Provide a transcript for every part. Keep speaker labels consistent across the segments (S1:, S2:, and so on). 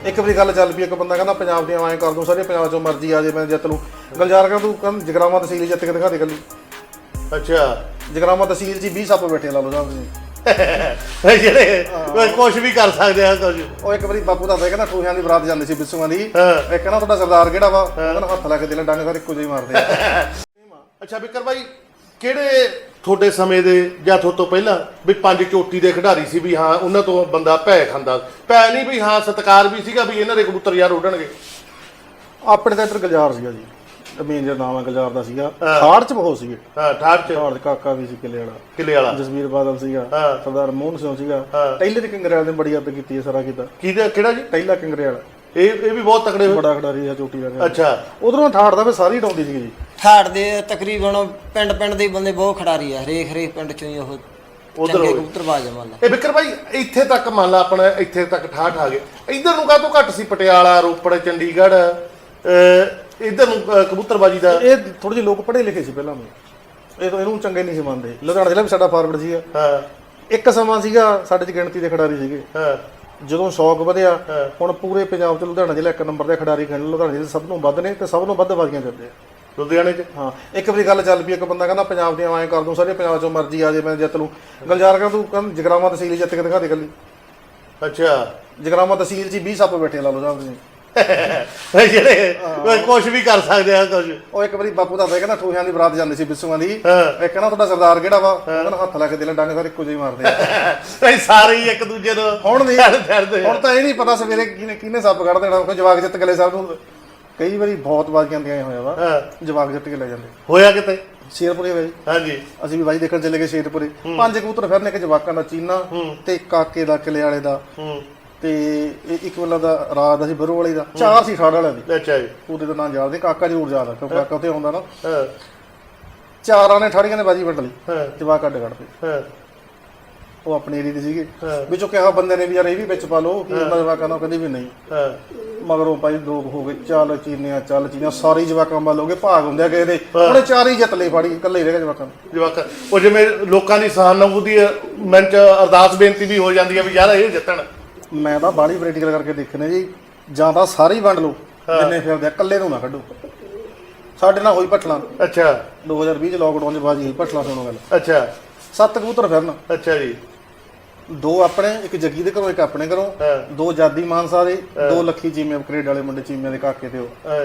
S1: ਇੱਕ ਵਾਰੀ ਗੱਲ ਚੱਲ ਪਈ, ਇੱਕ ਬੰਦਾ ਕਹਿੰਦਾ ਪੰਜਾਬ ਦੀਆਂ ਐਂ ਕਰ ਦੂੰ, ਸਾਰੇ ਪੰਜਾਬ ਚੋਂ ਮਰਜ਼ੀ ਆ ਜੇ ਮੈਂ ਜਿੱਤ ਲੂੰ। ਗਲਜਾਰ ਕਰ ਤੂੰ ਕਹਿੰਦਾ ਜਗਰਾਵਾਂ ਤਹਿਸੀਲ ਜਿੱਤ ਕੇ ਦਿਖਾ ਦੇ ਕੱਲੀ।
S2: ਅੱਛਾ,
S1: ਜਗਰਾਵਾਂ ਤਹਿਸੀਲ 'ਚ 20 ਸੱਪ ਬੈਠੇ ਲਾ ਲਓ ਸਾਹਿਬ ਤੁਸੀਂ
S2: ਜਿਹੜੇ ਕੁਝ ਵੀ ਕਰ ਸਕਦੇ ਆ ਕੁਝ।
S1: ਉਹ ਇੱਕ ਵਾਰੀ ਬਾਪੂ ਦੱਸਦਾ ਕਹਿੰਦਾ ਠੂਹਿਆਂ ਦੀ ਬਰਾਤ ਜਾਂਦੀ ਸੀ ਬਿੱਸੂਆਂ ਦੀ, ਇੱਕ ਕਹਿੰਦਾ ਤੁਹਾਡਾ ਸਰਦਾਰ ਕਿਹੜਾ ਵਾ, ਕਹਿੰਦਾ ਹੱਥ ਲਾ ਕੇ ਦਿਲ ਡੰਗ ਸਾਰੇ ਇੱਕੋ ਜਿਹੇ ਮਾਰਦੇ ਆ।
S2: ਅੱਛਾ ਵਿਕਰ ਭਾਈ, ਕਿਹੜੇ ਤੁਹਾਡੇ ਸਮੇਂ ਦੇ ਜਾਂ ਤੁਹਾਡੇ ਤੋਂ ਪਹਿਲਾਂ ਵੀ ਪੰਜ ਚੋਟੀ ਦੇ ਖਿਡਾਰੀ ਸੀ ਵੀ ਹਾਂ ਉਹਨਾਂ ਤੋਂ ਬੰਦਾ ਭੈ ਖਾਂਦਾ? ਭੈ ਨਹੀਂ ਵੀ ਹਾਂ ਸਤਿਕਾਰ ਵੀ ਸੀਗਾ ਵੀ ਇਹਨਾਂ ਦੇ ਕਬੂਤਰ ਯਾਰ ਉੱਡਣਗੇ।
S1: ਆਪਣੇ ਤਾਂ ਇੱਧਰ ਗਲਜਾਰ ਸੀਗਾ ਜੀ, ਮੇਨ ਜਿਹੜਾ ਨਾਮ ਹੈ ਗਲਜਾਰ ਦਾ ਸੀਗਾ। ਠਾੜ 'ਚ ਬਹੁਤ ਸੀਗੇ।
S2: ਹਾਂ, ਠਾੜ 'ਚ
S1: ਕਾਕਾ ਵੀ ਸੀ ਕਿਲੇ
S2: ਵਾਲਾ,
S1: ਜਸਵੀਰ ਬਾਦਲ ਸੀਗਾ, ਸਰਦਾਰ ਮੋਹਨ ਸਿੰਘ ਸੀਗਾ। ਟੈਲਰ ਕਿੰਗਰੇਵਾਲ ਨੇ ਬੜੀ ਅੱਤ ਕੀਤੀ ਹੈ ਸਾਰਾ ਕੀਤਾ।
S2: ਕਿਹੜਾ ਜੀ?
S1: ਟੈਲਾ ਕਿੰਗਰੇਵਾਲ,
S2: ਇਹ ਵੀ ਬਹੁਤ ਤਕੜੇ
S1: ਬੜਾ ਖਿਡਾਰੀ ਆ ਚੋਟੀ ਦਾ।
S2: ਅੱਛਾ,
S1: ਉਧਰੋਂ ਠਾੜ ਦਾ ਫਿਰ ਸਾਰੀ ਡਾਉਂਦੀ ਸੀ ਜੀ।
S3: ਠਾੜ ਦੇ ਤਕਰੀਬਨ ਪਿੰਡ ਦੇ ਬੰਦੇ ਬਹੁਤ ਖਿਡਾਰੀ ਆ, ਹਰੇਕ ਪਿੰਡ ਚੋਂ ਹੀ ਉਹ ਚੰਗੇ ਕਬੂਤਰਬਾਜ਼ ਆ। ਮੰਨ ਲਾ
S2: ਇਹ ਵਿਕਰ ਭਾਈ ਇੱਥੇ ਤੱਕ ਮੰਨ ਲਾ ਆਪਣਾ ਇੱਥੇ ਤੱਕ ਠਾਠ ਆ ਗਏ, ਇਧਰ ਨੂੰ ਕਾਹਤੋਂ ਘੱਟ ਸੀ? ਪਟਿਆਲਾ, ਰੋਪੜ, ਚੰਡੀਗੜ੍ਹ, ਇਧਰ ਨੂੰ ਕਬੂਤਰਬਾਜੀ ਦਾ
S1: ਇਹ ਥੋੜੇ ਜਿਹੇ ਲੋਕ ਪੜ੍ਹੇ ਲਿਖੇ ਸੀ ਪਹਿਲਾਂ ਨੂੰ, ਇਹਨੂੰ ਚੰਗੇ ਨਹੀਂ ਸੀ ਮੰਨਦੇ। ਲੁਧਿਆਣਾ ਜ਼ਿਲ੍ਹਾ ਵੀ ਸਾਡਾ ਫਾਰਵਰਡ ਸੀਗਾ। ਇੱਕ ਸਮਾਂ ਸੀਗਾ ਸਾਡੇ 'ਚ ਗਿਣਤੀ ਦੇ ਖਿਡਾਰੀ ਸੀਗੇ। ਜਦੋਂ ਸ਼ੌਕ ਵਧਿਆ, ਹੁਣ ਪੂਰੇ ਪੰਜਾਬ 'ਚ ਲੁਧਿਆਣਾ ਜ਼ਿਲ੍ਹਾ ਇੱਕ ਨੰਬਰ ਦੇ ਖਿਡਾਰੀ ਖੇਡ। ਲੁਧਿਆਣਾ ਜ਼ਿਲ੍ਹੇ ਸਭ ਨੂੰ ਵੱਧ ਨੇ ਤੇ ਸਭ ਨੂੰ ਵੱਧ ਬਾਜ਼ੀਆਂ ਕਰਦੇ ਆ
S2: ਲੁਧਿਆਣੇ 'ਚ।
S1: ਹਾਂ, ਇੱਕ ਵਾਰੀ ਗੱਲ ਚੱਲ ਪਈ, ਇੱਕ ਬੰਦਾ ਕਹਿੰਦਾ ਪੰਜਾਬ ਦੀਆਂ ਐਂ ਕਰ ਦੂੰ, ਸਾਰੇ ਪੰਜਾਬ ਚੋਂ ਮਰਜ਼ੀ ਆ ਜੇ ਮੈਂ ਜਿੱਤ ਲੂੰ। ਗਲਜਾਰ ਕਰ ਤੂੰ ਕਹਿੰਦਾ ਜਗਰਾਵਾਂ ਤਹਿਸੀਲ ਜਿੱਤ ਕੇ ਦਿਖਾ ਦੇ ਕੱਲੀ।
S2: ਅੱਛਾ,
S1: ਜਗਰਾਵਾਂ ਤਹਿਸੀਲ 'ਚ 20 ਸੱਪ ਬੈਠੇ ਲਾ ਲਓ ਸਾਹਿਬ ਤੁਸੀਂ
S2: ਜਿਹੜੇ ਕੁਝ ਵੀ ਕਰ ਸਕਦੇ ਆ ਕੁਝ।
S1: ਉਹ ਇੱਕ ਵਾਰੀ ਬਾਪੂ ਦੱਸਦਾ ਕਹਿੰਦਾ ਠੂਹਿਆਂ ਦੀ ਬਰਾਤ ਜਾਂਦੀ ਸੀ ਬਿੱਸੂਆਂ ਦੀ, ਇੱਕ ਕਹਿੰਦਾ ਤੁਹਾਡਾ ਸਰਦਾਰ ਕਿਹੜਾ ਵਾ, ਕਹਿੰਦਾ ਹੱਥ ਲਾ ਕੇ ਦਿਲ ਡੰਗ ਸਾਰੇ ਇੱਕੋ ਜਿਹੇ ਮਾਰਦੇ ਆ।
S2: ਸਾਰੇ ਹੀ ਇੱਕ ਦੂਜੇ ਨੂੰ
S1: ਹੁਣ ਤਾਂ ਇਹ ਨਹੀਂ ਪਤਾ ਸਵੇਰੇ ਕਿਹਨੇ ਸੱਪ ਕੱਢ ਦੇਣਾ। ਕੋਈ ਜਵਾਕ ਜਿੱਤ ਕੇ ਲੈ ਸਾਹਿਬ ਨੂੰ ਕਈ ਵਾਰੀ ਬਹੁਤ ਬਾਜ਼ੀਆਂ ਦੀਆਂ ਹੋਇਆ ਵਾ, ਜਵਾਕ ਜਿੱਤ ਕੇ ਲੈ ਜਾਂਦੇ।
S2: ਹੋਇਆ ਕਿਤੇ
S1: ਸ਼ੇਰਪੁਰੇ ਬਾਈ।
S2: ਹਾਂਜੀ,
S1: ਅਸੀਂ ਵੀ ਬਾਈ ਦੇਖਣ ਚਲੇ ਗਏ ਸ਼ੇਰਪੁਰੇ। 5 ਕਬੂਤਰ ਫਿਰਨੇ, ਇੱਕ ਜਵਾਕਾਂ ਦਾ ਚੀਨਾ ਤੇ ਕਾਕੇ ਦਾ ਕਿਲੇ ਵਾਲੇ ਦਾ ਤੇ ਇੱਕ ਵਾਲਾ ਦਾ ਰਾਤ ਦਾ ਸੀ ਬਰੋ ਵਾਲੀ ਦਾ, 4 ਸੀ ਠਾੜ ਵਾਲਿਆਂ ਦੀ।
S2: ਅੱਛਾ ਜੀ,
S1: ਉਹਦੇ ਦਾ ਨਾਂ ਯਾਦ, ਕਾਕਾ ਜ਼ਰੂਰ ਯਾਦ ਆ ਕਿਉਂਕਿ ਕਾਕਾ ਉੱਥੇ ਆਉਂਦਾ ਨਾ। 4 ਨੇ ਠਾੜੀਆਂ ਨੇ ਬਾਜੀ ਵੰਡ ਲਈ, ਜਵਾਕ ਕੱਢ ਕੱਢਦੇ। ਉਹ ਆਪਣੇ ਏਰੀਏ ਦੇ ਸੀਗੇ, ਵਿੱਚੋਂ ਕਿਹਾ ਬੰਦੇ ਨੇ ਵੀ ਯਾਰ ਇਹ ਵੀ ਵਿੱਚ ਪਾ ਲਓ ਕਿ ਉਹਨਾਂ ਜਵਾਕਾਂ ਨਾਲ, ਕਹਿੰਦੇ ਵੀ ਨਹੀਂ। ਮਗਰੋਂ ਭਾਈ ਲੋਕ ਹੋ ਗਏ ਚੱਲ ਚੀਨੀਆਂ ਸਾਰੀ ਜਵਾਕਾਂ ਵੱਲ ਹੋ ਗਏ, ਭਾਗ ਹੁੰਦੇ ਆ ਕਿਸੇ ਦੇ। ਉਹਨੇ 4 ਹੀ ਜਿੱਤ ਲਈ, ਫਾੜੀ ਇਕੱਲੇ ਹੀ ਰਹਿ ਗਏ ਜਵਾਕਾਂ।
S2: ਉਹ ਜਿਵੇਂ ਲੋਕਾਂ ਦੀ ਸਹਾਨੁਭੂਤੀ ਮਨ 'ਚ ਅਰਦਾਸ ਬੇਨਤੀ ਵੀ ਹੋ ਜਾਂਦੀ ਹੈ ਵੀ ਯਾਰ ਇਹ ਜਿੱਤਣ।
S1: ਮੈਂ ਤਾਂ ਬਾਹਲੀ ਪ੍ਰੈਕਟੀਕਲ ਕਰਕੇ ਦੇਖਣੇ ਜੀ, ਜਾਂ ਤਾਂ ਸਾਰੇ ਹੀ ਵੰਡ ਲਓ ਜਿੰਨੇ ਫਿਰਦੇ ਆ, ਇਕੱਲੇ ਨੂੰ ਨਾ ਕੱਢੋ। ਸਾਡੇ ਨਾਲ ਹੋਈ ਭੱਠਲਾਂ।
S2: ਅੱਛਾ,
S1: 2020 ਚ ਲੋਕਡਾਊਨ 'ਚ ਬਾਜੀ ਹੋਈ ਭੱਠਲਾਂ। ਸੁਣੋ ਗੱਲ।
S2: ਅੱਛਾ,
S1: 7 ਕਬੂਤਰ ਫਿਰਨ।
S2: ਅੱਛਾ ਜੀ,
S1: 2 ਆਪਣੇ, ਇੱਕ ਜੱਗੀ ਦੇ ਘਰੋਂ, ਇੱਕ ਆਪਣੇ ਘਰੋਂ, 2 ਜਾਦੀ ਮਾਨਸਾ ਦੇ, 2 ਲੱਖੀ ਚੀਮੇ ਅਪਗ੍ਰੇਡ ਵਾਲੇ ਮੁੰਡੇ ਚੀਮਿਆਂ ਦੇ ਕਾਕੇ ਤੇ।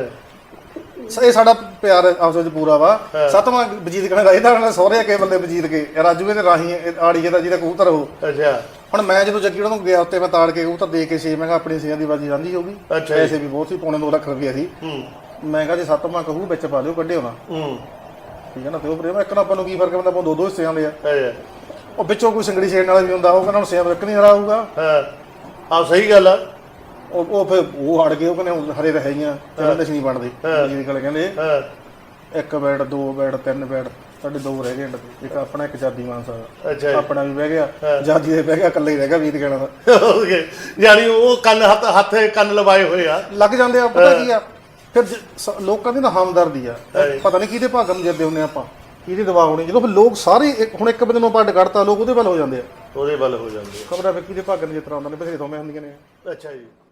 S1: ਉਹ ਇਹ ਸਾਡਾ ਪਿਆਰ ਆਪਸ ਵਿੱਚ ਪੂਰਾ ਵਾ। 7ਵਾਂ ਵਜੀਦ ਕਹਿੰਦਾ ਇਹਦਾ ਸਹੁਰੇ ਕੇ ਬੰਦੇ ਵਜੀਦ ਕੇ ਰਾਜੂਏ ਦੇ ਰਾਹੀਂ ਆੜੀਏ ਦਾ ਜਿਹਦਾ ਕਬੂਤਰ ਉਹ। ਅੱਛਾ, ਹੁਣ ਮੈਂ ਜਦੋਂ ਜੱਗੀ ਨੂੰ ਗਿਆ ਉੱਤੇ ਮੈਂ ਤਾੜ ਕੇ ਕਬੂਤਰ ਦੇ ਕੇ 6, ਮੈਂ ਕਿਹਾ ਆਪਣੀ 6 ਦੀ ਬਾਜੀ ਰਾਂਝੀ ਹੋਊਗੀ। ਪੈਸੇ ਵੀ ਬਹੁਤ ਸੀ, ਪੌਣੇ 2 ਲੱਖ ਰੁਪਇਆ ਸੀ। ਮੈਂ ਕਿਹਾ ਜੇ 7ਵਾਂ ਕਹੂ ਵਿੱਚ ਪਾ ਲਿਓ, ਕੱਢਿਓ ਨਾ। ਠੀਕ ਹੈ ਨਾ, ਤੇ ਉਹ ਪ੍ਰੇਮ ਇੱਕ ਨਾ ਆਪਾਂ ਨੂੰ ਕੀ ਫਰਕ ਪੈਂਦਾ, ਆਪਾਂ 2 ਹਿੱਸੇ ਆਉਂਦੇ ਆ। ਉਹ ਵਿੱਚੋਂ ਕੋਈ ਸਿੰਗੜੀ ਛੇੜਨ ਵਾਲਾ ਵੀ ਹੁੰਦਾ, ਉਹ ਕਹਿੰਦਾ ਹੁਣ ਸੇਮ ਰੱਖ ਨਹੀਂ ਹਰਾ ਹੋਊਗਾ।
S2: ਹਾਂ ਸਹੀ ਗੱਲ ਆ।
S1: ਉਹ ਫਿਰ ਉਹ ਹੜ ਗਏ, ਉਹ ਕਹਿੰਦੇ ਹਰੇ ਰਹੇਗੀਆਂ ਤੇ ਨਹੀਂ ਬਣਦੇ। ਜੀ ਗੱਲ ਕਹਿੰਦੇ 1 ਬੈਟ 2 ਬੈਟ 3 ਬੈਟ, ਸਾਡੇ 2 ਰਹਿ ਗਏ। ਇੱਕ ਆਪਣਾ, ਇੱਕ ਜਾਦੀ ਮਾਨਸਾ ਦਾ। ਆਪਣਾ ਵੀ ਬਹਿ ਗਿਆ, ਜਾਦੀ ਦੇ ਬਹਿ ਗਿਆ, ਇਕੱਲੇ ਹੀ ਰਹਿ ਗਿਆ ਵੀਰ ਕਹਿਣਾ ਦਾ।
S2: ਯਾਨੀ ਉਹ ਕੰਨ ਹੱਥ ਕੰਨ ਲਵਾਏ ਹੋਏ ਆ,
S1: ਲੱਗ ਜਾਂਦੇ ਆ। ਪਤਾ ਕੀ ਆ ਫਿਰ ਲੋਕਾਂ ਦੀ ਨਾ ਹਮਦਰਦੀ ਆ, ਪਤਾ ਨਹੀਂ ਕਿਹਦੇ ਭਾਗਾਂ ਨੂੰ ਜਿੱਦੇ ਹੁੰਦੇ ਆਪਾਂ, ਕਿਹਦੀ ਦਵਾ ਹੋਣੀ। ਜਦੋਂ ਫਿਰ ਲੋਕ ਸਾਰੇ ਹੁਣ ਇੱਕ ਬੰਦੇ ਨੂੰ ਆਪਾਂ ਕੱਢਤਾ, ਲੋਕ ਉਹਦੇ ਵੱਲ ਹੋ ਜਾਂਦੇ ਆ,
S2: ਉਹਦੇ ਵੱਲ ਹੋ ਜਾਂਦੇ।
S1: ਖਬਰਾਂ ਫਿਰ ਕਿਹਦੇ ਭਾਗਾਂ ਨੂੰ ਜਿਸ ਤਰ੍ਹਾਂ ਉਹਨਾਂ ਨੇ ਬਥੇਰੇ ਥੋਵੇਂ ਹੁੰਦੀਆਂ ਨੇ।
S2: ਅੱਛਾ ਜੀ।